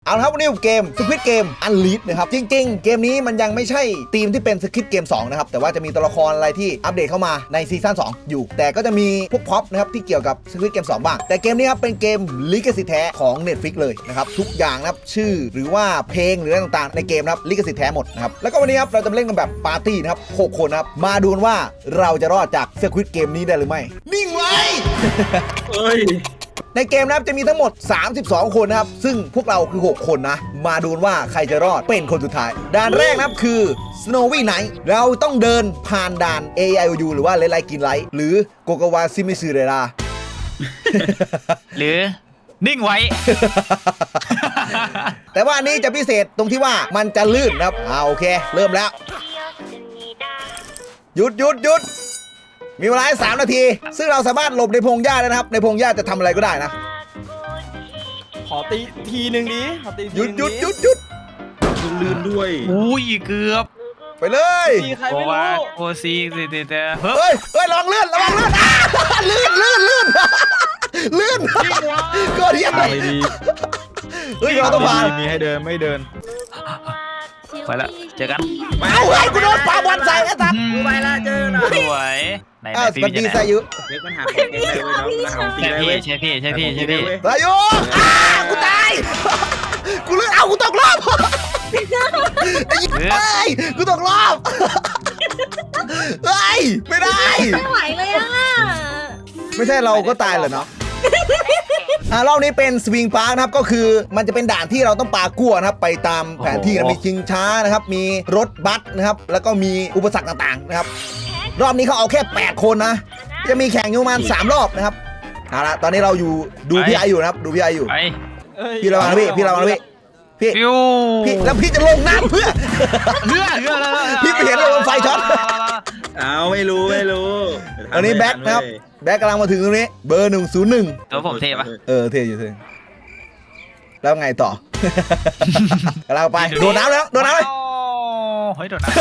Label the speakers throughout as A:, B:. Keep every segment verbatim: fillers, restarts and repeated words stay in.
A: เอาละครับวันนี้เกม Squid Game Unleashed นะครับจริงๆเกมนี้มันยังไม่ใช่ทีมที่เป็น Squid Game สองนะครับแต่ว่าจะมีตัวละครอะไรที่อัปเดตเข้ามาในซีซั่นสองอยู่แต่ก็จะมีพวกพ็อปนะครับที่เกี่ยวกับ Squid Game สองบ้างแต่เกมนี้ครับเป็นเกมลิขสิทธิ์แท้ของ Netflix เลยนะครับทุกอย่างนะครับชื่อหรือว่าเพลงหรืออะไรต่างๆในเกมนะครับลิขสิทธิ์แท้หมดนะครับแล้วก็วันนี้ครับเราจะเล่นกันแบบปาร์ตี้นะครับหกคนนะครับมาดูว่าเราจะรอดจาก Squid Game นี้ได้หรือไม่นิ่งไว้
B: เฮ้ย
A: ในเกมนะครับจะมีทั้งหมดสามสิบสองคนนะครับซึ่งพวกเราคือหกคนนะมาดูว่าใครจะรอดเป็นคนสุดท้ายด่านแรกนะครับคือ Snowy Night เราต้องเดินผ่านด่าน เอ ไอ โอ ยู หรือว่าเลไลกินไลท์หรือโกโกวาซิมิซึเรรา
C: หรือนิ่งไว้
A: แต่ว่าอันนี้จะพิเศษตรงที่ว่ามันจะลื่นนะครับอ่าโอเคเริ่มแล้วหยุดหยุดหยุดมีเวลาสามนาทีซึ่งเราสามารถหลบในพงหญ้าได้นะครับในพงหญ้าจะทำอะไรก็ได้นะ
B: ขอตีทีหนึ่งดิขอตี
A: หยุดหยุดหยุดหยุด
B: ลื่นด้วย
C: อุ้ยเกือบ
A: ไปเลย
C: โอวาโอซีสิเตเ
A: ฮ้ยเฮ้ยลองเลื่อนลองเลื่อนลื่นลื่นลื่นลื่นก็เรียก
B: ไปดี
A: เฮ้ยเราต้องผ่าน
B: มีให้เดินไม่เดิน
C: ไปละเจอกัน
A: เอาไอ้กูโดนปาบอลใส่ไอ้สัตว์
B: ไปละเจอหน่อย
C: สวยไหนไหนพี่
A: จะไหนยุ
B: เด็กมันหาของเก่งเลยเนาะหาของตีเลย
C: ใช่พี่ใช่พี่ใช่พี่
A: สายุอ้ากูตายกูเลือกเอากูตกรอบไอ้กูตกรอบเฮ้ยไม่ได้
D: ไม่ไหวเลยอ่ะ
A: ไม่ใช่เราก็ตายเหรอเนาะอ่ารอบนี้เป็นสวิงพาร์คนะครับก็คือมันจะเป็นด่านที่เราต้องปากั้วนะครับไปตามแผนที่นะมีชิงช้านะครับมีรถบัสนะครับแล้วก็มีอุปสรรคต่างๆนะครับรอบนี้เขาเอาแค่แปดคนนะจะมีแข่งอยู่ประมาณสามรอบนะครับเอาละตอนนี้เราอยู่ดูพี่ไออยู่นะครับดูพี่ไออยู่พี่ระวังพี่พี่ระวังพี่พี่พี่แล้วพี่จะลงน้ำเพื่อ
C: เรือเรือ
A: พี่ไปเห็นโดนไฟช็อต
B: เอาไม่รู้ไม่รู้
A: อันนี้แบ็คนะครับแบ็คกำลังมาถึงตรงนี้เบอร์หนึ่งศูนย์หนึ่ง
C: ตัวผมเทปะ
A: เออเทอยู่เทแล้วไงต่อกำลังไปโดนน้ำแล้วโดนน้ำเลย
C: เฮ้ยโดนน้ำ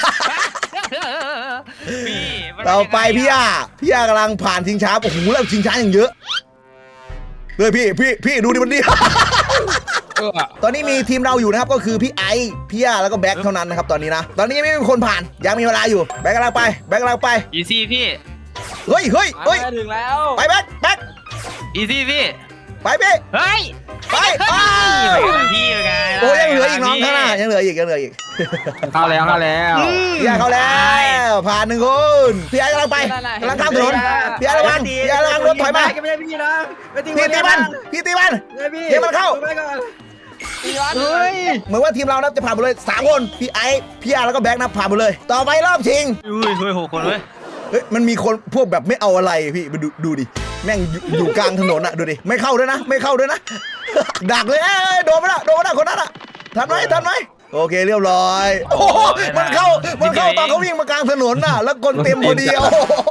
A: เราไปพี่ย่าพี่ย่ากำลังผ่านชิงช้าโอ้โหแล้วชิงช้าอย่างเยอะเลยพี่พี่พี่ดูดิมันดีตอนนี้มีทีมเราอยู่นะครับก็คือพี่ไอพี่ย่าแล้วก็แบ็คเท่านั้นนะครับตอนนี้นะตอนนี้ยังไม่มีคนผ่านยังมีเวลาอยู่แบ็คกำลังไปแบ็คกำลังไป
C: อีซี่พี่
A: เฮ้ยเฮ้ยเฮ้ย
B: ถึงแล้ว
A: ไปแบ็คแบ็ค
C: อีซี่พี่
A: ไปพี่
C: เฮ้ย
A: ไป
C: พี่ไง
A: โอ้ยังเหลืออีกน้องข้างหน้ายังเหลืออีกยังเหลืออีก
B: เข้าแล้วเข้าแล้ว
A: พี่ไอเข้าแล้วผ่านหนึ่งคนพี่ไอกำลังไปกำลังข้ามถนนพี่ไอระวังพี่ไอระวังรถถอยมา
B: ไม่ได้พี่นะ
A: พี่ตีมันพี่ตีมันเดี๋ยวมันเข้า
B: เฮ้ย
A: เหมือนว่าทีมเรานะจะผ่านหมดเลยสามคนพี่ไอพี่อาร์แล้วก็แบ็คนะผ่านหมดเลยต่อไปรอบชิง
C: อุ้ยเฮ้ยหกคนเว้ย
A: เฮ้ยมันมีคนพวกแบบไม่เอาอะไรพี่มาดูดูดิแม่งอยู่กลางถนนอะดูดิไม่เข้าด้วยนะไม่เข้าด้วยนะดักเลยเอ้ยโดนมาละโดนมาละคนนั้นอะทันไหมทันไหมโอเคเรียบร้อยโอ้มันเข้ามันเข้าตอนเขาวิ่งมากลางถนนน่ะแล้วคนเต็มพอดีเอา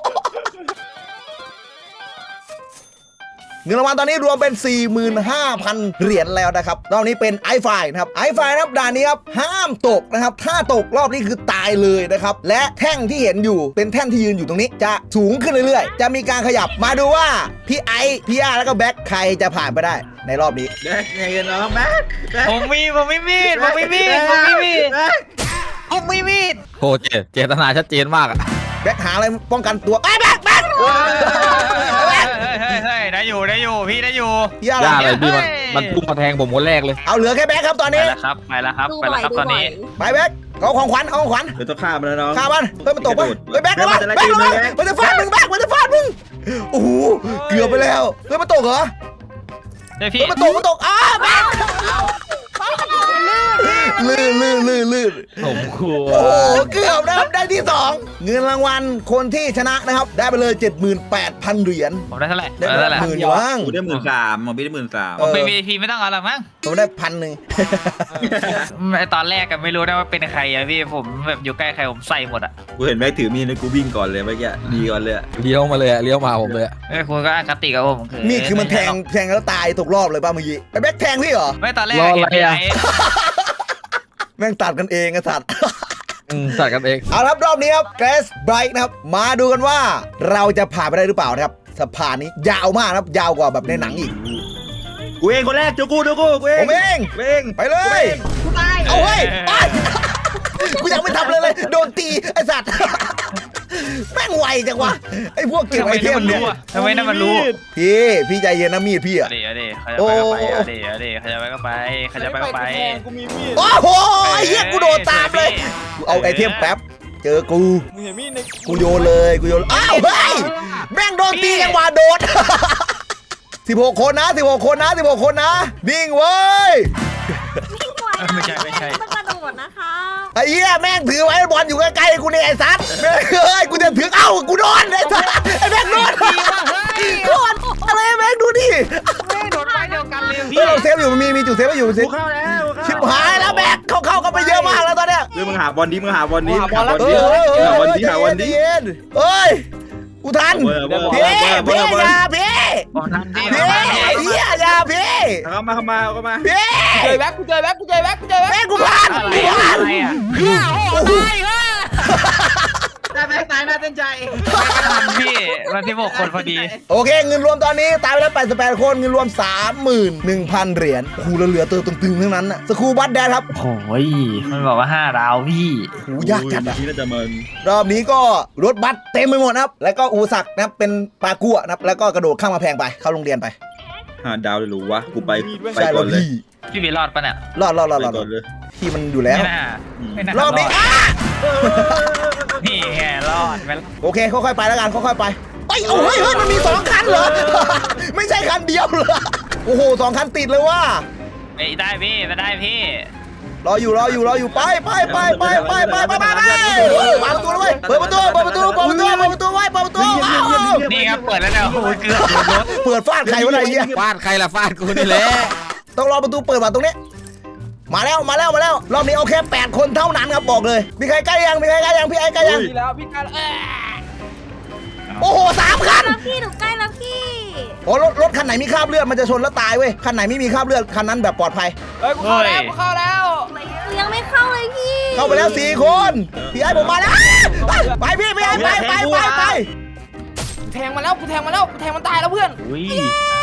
A: เงินรางวัลตอนนี้รวมเป็น สี่หมื่นห้าพัน เหรียญแล้วนะครับรอบนี้เป็นไอไฟนะครับไอไฟนะครับด่านนี้ครับห้ามตกนะครับถ้าตกรอบนี้คือตายเลยนะครับและแท่งที่เห็นอยู่เป็นแท่นที่ยืนอยู่ตรงนี้จะสูงขึ้นเรื่อยๆจะมีการขยับมาดูว่าพี่ไอพี่อาร์แล้วก็แบ็คใครจะผ่านไปได้ในรอบนี้
B: แบ็คไงกันน้องแบ็ค
C: ผมมีผมไม่มีดผมไม่มีดผมไม่มีดผมไม่มีด
B: โหเจเจตนาชัดเจนมากอะ
A: แบ็คหาอะไรป้องกันตัวไอ้แบ็คแบ็ค
C: ได้อยู่ได้อยู่พี่ได้อยู่
B: ย่าอะไรพี่มันมันพุ่งมาแทงผมคนแรกเลย
A: เอาเหลือแค่แบ็คครับตอนนี้
C: ไปแล้วครับไปแล้วครับไปแล้วครับตอนนี้
A: ไปแบ็คเอาของขวัญเอาของขวัญ
B: เดี๋ยวต้องฆ่ามันแล้วน้อง
A: ฆ่ามันเฮ้ยมันตกปะเฮ้ยแบ็คระวังแบ็คระวังมันจะฟาดมึงแบ็คมันจะฟาดมึงโอ้โหเกือบไปแล้วเฮ้ยมันตกเหรอ
C: ได้พี่
A: มันตกมันตกอ้าแบ็คลื่นลื่นลื่นลื่น
B: ผมกลัว
A: โอ้เกือบนะครับได้ที่สองเงินรางวัลคนที่ชนะนะครับได้ไปเลย เจ็ดหมื่นแปดพัน เหรียญ
C: ผมได้เท่าไหร่
A: ได้หมื่นอยู่มั้ง
B: ได้หมื่นสามผมได้หมื่นสาม
C: ผมเป็น วี ไอ พี ไม่ต้องเอาหรอกมั้ง
A: ผมได้พันหนึ่ง
C: ตอนแรกก็ไม่รู้ได้ว่าเป็นใครอะพี่ผมแบบอยู่ใกล้ใครผมใส่หมดอะ
B: กูเห็นแม็กถือมีดนะกูวิ่งก่อนเลยเมื่อกี้ดีก่อนเลยเลี้ยวมาเลยเลี้ยวมาผมเลย
C: เอ้ยคุณก็อคติกับผมคือ
A: มีดคือมันแทงแทงแล้วตายตกรอบเลยป่ะเมื่อกี้ไอ้แบ็คแทงพี่เหรอ
C: ไม่ตอนแรกเห็นไอ้
A: แม่งตัดกันเองไอ้สัตว์
B: ตัดกันเอง
A: เอาครับรอบนี้ครับเกรสไบรท์นะครับมาดูกันว่าเราจะผ่านไปได้หรือเปล่านะครับสะพานนี้ยาวมากนะครับยาวกว่าแบบในหนังอีก
B: กูเองคนแรกจูกูจูกูกูเอง
A: ผมเอง
B: เอง
A: ไปเลย
D: กูตาย
A: เอาเฮ้ยไปกูยังไม่ทำเลยเลยโดนตีไอ้สัตว์แม่งไวจังวะไอ้พวกเก็บ
C: ทำไม
A: ไอเท
C: นั่น
A: ม
C: มัน
A: เนี่ย
C: รู้อะทำไมนั่นมันรู้
A: พี่พี่ใจเย็นนะมีดพี่อะ
C: เดี๋ยวเดี๋ยวเขาจะไปก็ไปเดี๋ยวเดี๋ยวเขาจะไปก็ไปเขาจะไปก็ไป
D: แทงกูมีมีด
A: โอ้โหไอ้เหี้ยกูโดนตามเลยกูเอาไอเทมแป๊บเจอกู
D: มึงเห็นมีดใน
A: กูโยนเลยกูโยนอ้าวเฮ้ยแม่งโดนตียังว่าโดนสิบหกคนนะสิบหกคนนะสิบหกคนนะนิ่งเว้ย
C: ไม่ใช่ไม่ใช่
E: ต้องกระโดดนะคะ
A: ไอ้เหี้ยแม่งถือไว้บอลอยู่ใกล้ๆกูเนี่ยไอ้สัตว์แม่งเอ้ยกูจะถือเอ้ากูโดนไอ้สัตว์ไอ้แม่งโดนโดนอะไรแม่งดูดิ
C: ไม่โดนไปเดียวกันเลย
A: เฮ้
C: พี่
A: ยเราเซฟอยู่มีมีจุดเซฟไว้อยู่สิ
B: กูเข้าแล้ว
A: ชิบหายแล้วแม่งเข้าเข้ากันไปเยอะมากแล้วตอนเนี้ย
B: เรื่องมึงหาบอลดิมึงหาบอลดิหาบอล
A: เอ
B: ดิ
A: อเออเออ
B: หาบอล
A: เออ
B: ดิหาบอลดิ
A: ใจเย็นเอ้ยกูทัน
B: เบอร์เบอร์เบอ
A: พี่
B: ร์เบอร์เบอ
A: พี่
B: ร์เบอ
A: อ
B: ร์
A: ย่าพี่
C: ผมทำดี
A: พี่เหี้ยอย่าพี่
B: เข้ามาเข้ามาเข้ามา
A: พี่
D: เจอแบ็คกูเจอแบ็คกูเจอแบ็คกูเจอแบ็ค
A: แม่งกูพัน
C: อะไร
A: กูพัน
C: อะไรอ่ะ
A: โอ้โห
D: ได้แบ็คตายน่าเต้นใจ
C: ทำพี่มันที่หกคนพอดี
A: โอเคเงินรวมตอนนี้ตายไปแล้วแปดสิบแปดคนเงินรวม สามหมื่นหนึ่งพัน เหรียญครูเหลือเติมตึงๆทั้งนั้นน่ะสครูบัตแดนครับ
C: โอ้ยมันบอกว่าห้าดาวพี่
A: โหยากจัดอะ
B: ที่น่าจะมัน
A: รอบนี้ก็รถบัสเต็มไปหมดนะครับ แล้วก็อูสักนะครับเป็นปลากั่วนะครับแล้วก็กระโดดข้ามมาแพงไปเข้าโรงเรียนไป
B: หาดาวเลยหรือวะกูไปไป
A: ใช่
B: ก่
A: แล้
B: อ
A: วน
B: เลย
A: พี่
C: พี่บีรอดปะเนี่ย
A: รอดรอดรอด
B: ไป
A: รอด
B: ก่อนเลย
A: พี่มันอยู่แล้ว
C: ไม่น่าไม่น่าร
A: อบนี้
C: ด
A: อ่ะ
C: นี่แค่รอดไปแล้ว
A: โอเคค่อยๆไปแล้วกันค่อยๆไปเฮ้ยเอาเฮ้ยเฮ้ยมันมีสองคันเหรอ ไม่ใช่คันเดียวเหรอโอ้โหสองคันติดเลยว่ะ
C: ไม่ได้พี่ไม่ได้พี่
A: รออยู่รออยู่รออยู่ไปไปไปไปไปไปไปไปไปเฮ้ยเปิดประตูด้วยเปิดประตูเปิดประตูเปิดประตูเปิดประตูไว้เปิดประตูว้าว
C: นี่ครับเปิดแล้วเนี่ยโอ้โหเกือบโดนรถ
A: เปิดฟาดใครวะไหนเนี่ย
B: ฟาดใครล่ะฟาดกูนี่แหละ
A: ต้องรอประตูเปิดว่ะตรงนี้มาแล้วมาแล้วมาแล้วรอบนี้เอาแค่แปดคนเท่านั้นครับบอกเลยมีใครใกล้ยังมีใครใกล้ยังพี่ไอ้ใกล้ยัง
D: ดีแล้วพี่กันเออ
A: โอ้โหสามคัน
E: แล้วพี่หนูใกล้แล้วพี่
A: โอ้รถรถคันไหนมีคราบเลือดมันจะชนแล้วตายเว้ยคันไหนไม่มีคราบเลือดคันนั้นแบบปลอดภัย
D: เฮ้ยกูเข้าแล้วกูเข้าแล้ว
E: หนูยังไม่เข้าเลยพี่
A: เข้าไปแล้วสี่คนพี่ไอ้ผมมาแล้วไปพี่พี่ไอ้ไปไปไปไป
D: แทงมาแล้วกูแทงมาแล้วกูแทงมันตายแล้วเพื่อน
C: อุ้ย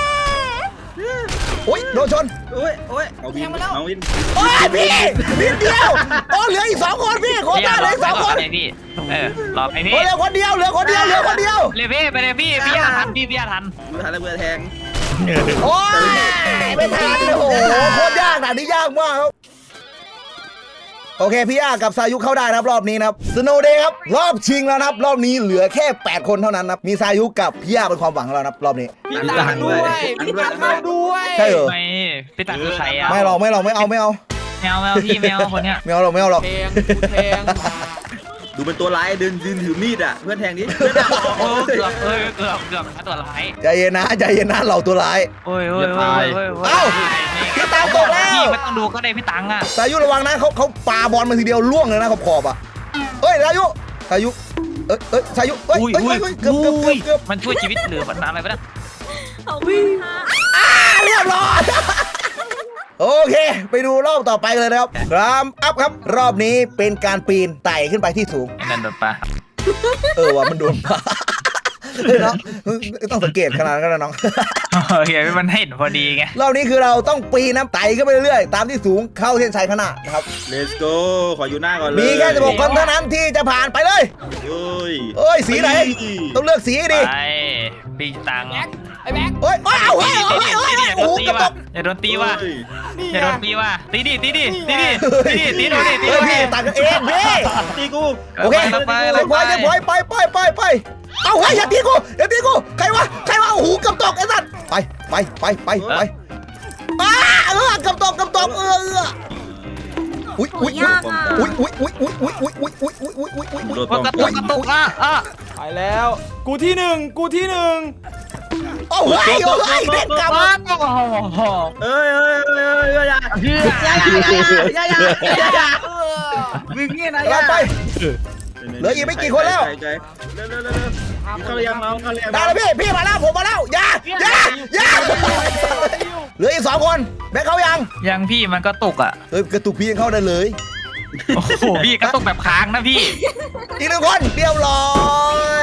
A: โอ้ยโดนชน
B: โอ้ยโอ้ยเอาวินเอาวิน
A: โอ้ยพี่นิดเดียวโอ้เหลืออีกสองคนพี่โคตรเหลืออีกสองคน
C: ไปพี่เออรอไปพี่
A: โอ้เหลือคนเดียวเหลือคนเดียวเหลือคนเดียว
C: เลยพี่ไปเลยพี่พี่ยาทันพี่พี่ยาทัน
B: กูทันแล้วเบื่อแทง
A: โอ้ยไม่ทันโอ้โหโคตรยากด่านนี้ยากมากครับโอเคพี่อากับสายุเข้าได้นะครับรอบนี้นะครับสโนว์เดย์ครับรอบชิงแล้วนะครับรอบนี้เหลือแค่แปดคนเท่านั้นนะครับมีสายุกับพี่อาเป็นความหวังของเรานะครับรอบนี้
D: พี่ตังด้วยพี่ตังเข้าด้วย
A: ใช่เหรอ
C: ไม่พี่ตัดคือใครอ่ะ
A: ไม่หรอกไม่หรอกไม่เอาไม่เอา
C: แมวแมวพี่แมวคนเนี้ย
A: ไม่เอาหรอกไม่เอาหรอก
D: แทงกูแทง
B: ดูเป็นตัวร้ายเดินยืนถือมีดอ่ะเพื่อนแทงนี้
C: โอ้เกือบเอ้ยเกือบเกือบตัวร้าย
A: ใจเย็นนะใจเย็นนะเราตัวร้าย
C: โอ้ยโอ้ยโอ้ยโอ้ย
A: เอ้าพี่ตังตกแล้ว
C: พี่ไม่ต้องดูก็ได้พี่ตังอ่ะ
A: สายุระวังนะเขาเขาปาบอลมาทีเดียวล่วงเลยนะขอบขอบอ่ะเอ้ยสายุสายุเอ้ยเอ้ยสายุเอ้ย
C: อุ้ย
A: เอ้ย
C: อุ้ย
A: เอ้ยเกือบเกือบเกือบเกือบ
C: มันช่วยชีวิตหรือมันอะไรไปนะ
E: ขอบคุณค่ะ
A: อ่าเรียบร้อยโอเค ไปดูรอบต่อไปเลยนะครับรามอัพครับ รอบนี้เป็นการปีนไต่ขึ้นไปที่สูง
C: ไอ้นั่นโดนปะ
A: เออว่ะมันโดนปะเฮ้ยเนาะต้องสังเกตขนาดนั้นก็นะน้อง
C: โอเคมันเห็นพอดีไง
A: รอบนี้คือเราต้องปีนน้ำไต่ขึ้นไปเรื่อยๆ ตามที่สูงเข้าเส้นชัยข้างหน้านะครับ
B: Let's go ขออยู่หน้าก่อนเลย
A: มีแค่สิบหกคนเท่านั้นที่จะผ่านไปเลย
B: เฮ้ย
A: เอ้ยสีไหน ต้องเลือกสีให้ดี
C: ไปปีตัง
D: แบ็คไอ้แบ็ค
A: เฮ้ยเฮ้ยเอาเฮ้ยเฮ้ยเฮ้ย
C: อย่า
A: โอ้
C: โด
A: โห
C: นตี
A: กระต
C: ว่ะ
A: ก
C: อย่าโดนตีว่ะ
D: นี่
C: อย่า
D: ไง
C: โดนตีว่ะตีดิตีดิตีดิตีดิตีดิตีดิ
A: เฮ้ยพี่ต่างกันเองพี่
B: ตีกู
A: โอเค
C: ไป
A: เรียบร้อยเรียบร้อยไปไปไปไปเอาเฮ้ยอย่าตีกูอย่าตีกูใครวะใครวะโอ้โหกำตกไอ้สัตว์ไปไปไปไปไปอ้าเออกำตกกำตกเออเอออุ้ย
E: โห
A: อุ้ย
E: ยากอ่ะ
A: อุ้ยอุ้ยอุ้ยอุ้ยอุ้ยอุ้ยอุ้ยอุ้ยอุ้ยอุ้ยอุ้ยอุ้ย
B: โด
A: อุ้ย
B: น
C: ก
B: ต้อ
C: ระ
B: ง
C: ตุกกระตุกอ่ะอ่ะ
D: ไปแล้ว กูที่หนึ่งกูที่หนึ่ง
A: โอ้ยโอ้ยเด็กกลับ
C: ว้าวโอ้โห
B: เอ้ยเอ้ยเอ้ยเอ้ยอย่า
C: เฮีย
B: อย่าอย่าอย่าอย่าอย่ามึงนี่นะอย่า
A: ไปเหลืออีกไม่กี่คนแล้ว
B: เร็วเร็วเร็วเร็วเข้ายังเราเข้ายัง
A: ได้แล้วพี่พี่มาแล้วผมมาแล้วอย่าอย่าอย่าเหลืออีกสองคนแบงค์เขายัง
C: ยังพี่มันก็ตุกอ่ะ
A: เฮ้ยกระตุกพี่ยังเข้าได้เลย
C: โอ้โหพี่กระตุกแบบค้างนะพี่
A: อีกหนึ่งคนเรียบร้อย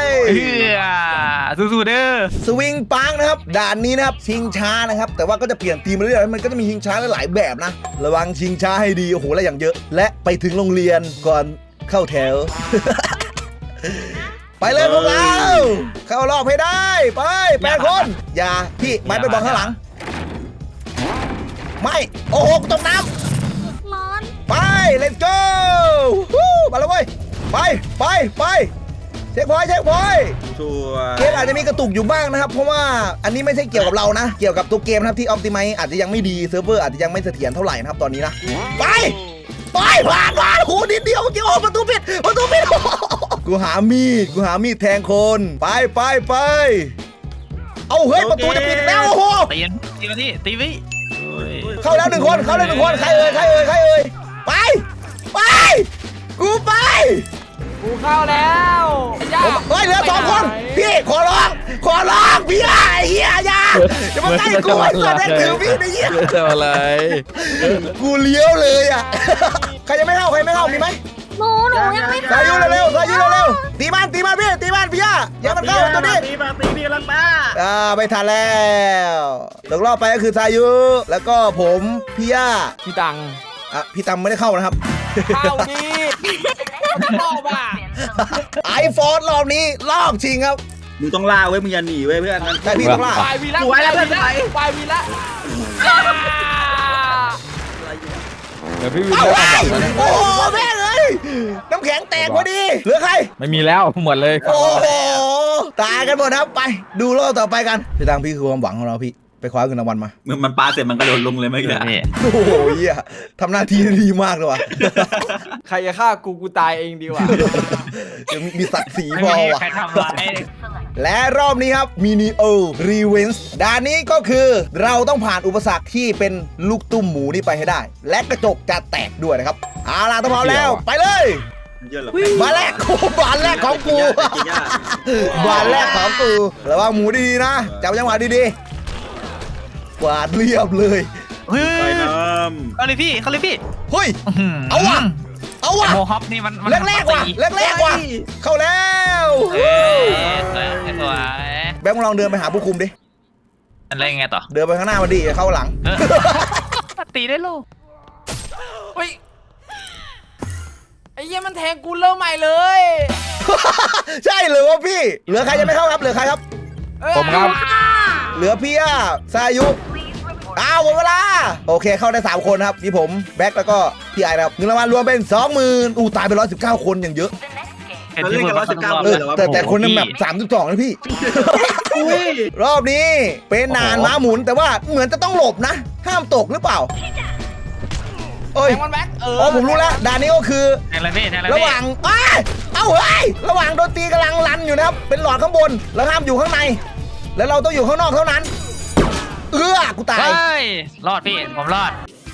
C: เฮือสู้ๆเด้อ
A: สวิงปังนะครับด่านนี้นะครับชิงช้านะครับแต่ว่าก็จะเปลี่ยนธีมมาเรื่อยๆมันก็จะมีชิงช้าหลายแบบนะระวังชิงช้าให้ดีโอ้โหและอย่างเยอะและไปถึงโรงเรียนก่อนเข้าแถว ไปเลยพวกเราเข้ารอบให้ได้ไปแปดคนอย่าพี่ไม้ไปบอลข้างหลังไม่โอ้โหตกน้ำ
E: ร้อน
A: ไป let's go ฮู้มาแล้วเว้ยไปไปไปเช็คพอยต์เช็คพอยต์
B: ชัว
A: เกมอาจจะมีกระตุกอยู่บ้างนะครับเพราะว่าอันนี้ไม่ใช่เกี่ยวกับเรานะเกี่ยวกับตัวเกมนะครับที่ออ t ติไมอาจจะยังไม่ดีเซิร์ฟเวอร์อาจจะยังไม่เสถียรเท่าไหร่นะครับตอนนี้นะไปไปผ่านผ่านโอ้โหนิดเดียวเมื่อกี้โอ้ประตูปิดประตูปิด กูหามีดกูหามีดแทงคนไปไปไปเอาเฮ้ยประตูจะปิดแล้วโอ้โห
C: ตีนตีมาที่ตีวิ
A: เข้าแล้วหนึ่งคนเข้าแล้วหนึ่งคนใครเอ่ยใครเอ่ยใครเอ่ยไปไปกูไป
D: กูเข้าแล้วย่า
A: เฮ้ยเหลือสองคนพี่ขอร้องขอร้องพี่ไอ้เหี้ยอย่าอย่ามาใกล้กูไอ้สัตว์นั่นถือพี่ไอ้เหี้ย
B: จะอะไร
A: กูเลี้ยวเลยอ่ะใครยังไม่เข้าใครไม่เข้ามีไหม
E: หนูหนูยังไม่
A: สา
E: เข้า
A: ยุเร็วๆสายุเร็วๆตีมันตีมันพี่ตีมันพี่ย่าอย่ามันเข้าตัวนี้
B: ตีมาตีพี่ลังป้า
A: อ่าไม่ทันแล้วตกรอบไปก็คือสายุแล้วก็ผมพี่ย่า
D: พี่ตัง
A: อ่ะพี่ตำไม่ได้เข้านะครับ
D: เข้าดีรอบอ่ะ
A: ไอโฟนรอบนี้รอบชิงครับ
B: มึงต้องล่าเว้ยมึงอย่าหนีเว้ยเพื่อน
A: แต่พี่ต้องล่า
D: ปลายวีละ
B: สวยแล้วเพื่อน
D: ปลายวีละ
F: เดี๋ยวพี่วิน
A: เอ้า
F: ได้
A: ไอ้
F: ทำแบบนั้น
A: โอ้โหแม่งเลยน้ำแข็งแตกพอดีเหลือใคร
F: ไม่มีแล้วหมดเลย
A: โอ้โหตายกันหมดครับไปดูรอบต่อไปกันพี่ตังพี่คือความหวังของเราพี่ไปคว้าเงินรางวัลมา
B: มึงมันปาเสร็จมันกระโดดลงเลยเมื่อกี้
C: นี่
A: โอ้โหเหี้ยทำหน้าที่ได้ดีมากเลยว่ะ
D: ใครจะฆ่ากูกูตายเองดีกว่า
A: ยังมีศักดิ์ศรี
C: ไม่
A: พอ
C: มี
A: ว่ะ
C: ใครทำร้าย
A: และรอบนี้ครับมินิโอรีเวนส์ด่านนี้ก็คือเราต้องผ่านอุปสรรคที่เป็นลูกตุ้มหมูนี่ไปให้ได้ และกระจกจะแตกด้วยนะครับเอาล่ะถ้าพร้อมแล้วไปเลย
B: เยอะหรอ
A: มาแรกโอ้บานแรกของกูบานแรกของกูระวังหมูดีๆนะจับจังหวะดีๆกวาดเรียบเลย
C: เฮ้
B: ไป
C: ย
B: น้
C: เขาเลยพี่เขาเลยพี่
A: เฮ้ยเอาว่ะเอาว่ะ
C: โมฮอปนี่มันมัน
A: แรกๆว่ะแรกๆว่ะเข้าแล้ว
C: เอ้ยสวยสวย
A: แบงค์ลองเดินไปหาผู้คุมดิ
C: อะไรไงต่อ
A: เดินไปข้างหน้ามาดิเข้าหลัง
C: เออตีได้โล
D: เฮ้ยไอ้เหี้ยมันแทงกูเริ่มใหม่เลย
A: ใช่เหรือวะพี่ เหลือใครยังไม่เข้าครับเหลือใครครับ
D: เอ้ย
F: ผมครับ
A: เหลือพี่ย่าสายุอ้าวหมดเวลาโอเคเข้าได้สามคนครับพี่ผมแบ็คแล้วก็พี่ไอนะครับเงินรางวัลรวมเป็น สองหมื่น อู้ตายไปหนึ่งร้อยสิบเก้าคนอย่างเยอะ
C: เห็นที่พูดมาทุกรอบ
A: เออแต่แต่คนนึงแบบสามสิบสองนะพี่ รอบนี้เป็นนานม้าหมุนแต่ว่าเหมือนจะต้องหลบนะ ห้ามตกหรือเปล่าเอ้ย
D: แทงมันแบ็คเออ
A: อ๋อผมรู้แล้วด่านนี้ก็คือ
C: แทงอะไรพี่แทงอะไร
A: ระ
C: พี่
A: หว่างอ้ายเอ้าเฮ้ยระหว่างโดนตีกำลังรันอยู่นะครับ เป็นหลอดข้างบน แล้วห้ามอยู่ข้างใน แล้วเราต้องอยู่ข้างนอกเท่านั้น เอื้อกูตาย
C: เฮ้ยรอดพี่ผมรอด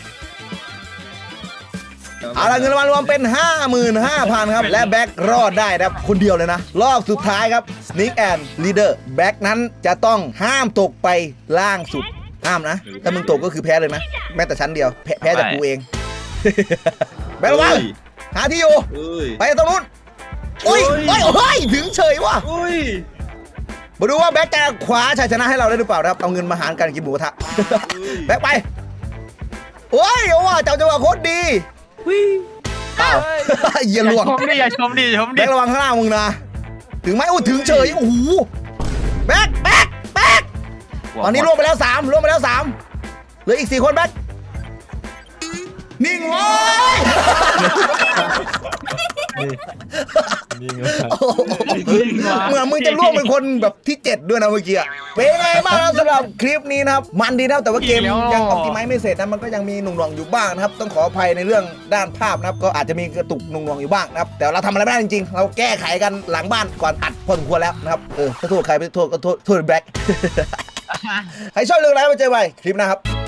A: เอาละเงินรางวัลรวมเป็น ห้าหมื่นห้าพัน ครับ และแบ็ครอดได้นะครับ คนเดียวเลยนะ รอบสุดท้ายครับ Sneak and Leader แบ็คนั้นจะต้องห้ามตกไปล่างสุด ห้ามนะ ถ้ามึงตกก็คือแพ้เลยนะ แม้แต่ชั้นเดียว แพ้แพ้จากกูเอง แบ็คระวังหาที่อยู่
B: ำเอ้ย
A: ไปตรงนู้นโอ้ยโอ้ยโอ้ยถึงเฉยว่ะ
B: อุ้ย
A: มาดูว่าแบ็คจะคว้าชัยชนะให้เราได้หรือเปล่านะครับ เอาเงินมาหารกันกินหมูกระทะ แบ็คไป โอ้ยโอ้ว่าเจ้าจังหวะโคตรดีเปล่า เยี่ย
C: อย่า
A: ลวง
C: ชมดิอย่าชมดิอย่าชมดิ
A: แบ็คระวังข้างหน้ามึงนะ ถึงไหมโอ้ถึงเฉย โอ้โห แบ็คแบ็คแบ็คตอนนี้ล่วงไปแล้วสามล่วงไปแล้วสามเหลืออีกสี่คนแบ็คนิ่งไว้ย
F: นี่ไง
A: เหมือนมึงจะล่วงเป็นคนแบบที่เจ็ดด้วยนะเมื่อกี้อะเป็นไงบ้างครับสำหรับคลิปนี้นะครับ มันดีนะครับแต่ว่าเกมยังออ t ติไมไม่เสร็จนะมันก็ยังมีหน่วงๆอยู่บ้างนะครับ ต้องขออภัยในเรื่องด้านภาพนะครับ ก็อาจจะมีกระตุกหน่วงๆอยู่บ้างนะครับ แต่เราทำอะไรไม่ได้จริงๆ เราแก้ไขกันหลังบ้านก่อนอัดพอสมควรแล้วนะครับ เออถ้าโทษใครไปโทษก็โทษโทษแบ็ค ใครชอบเรื่องอะไรมาเจอไปคลิปหนะครับ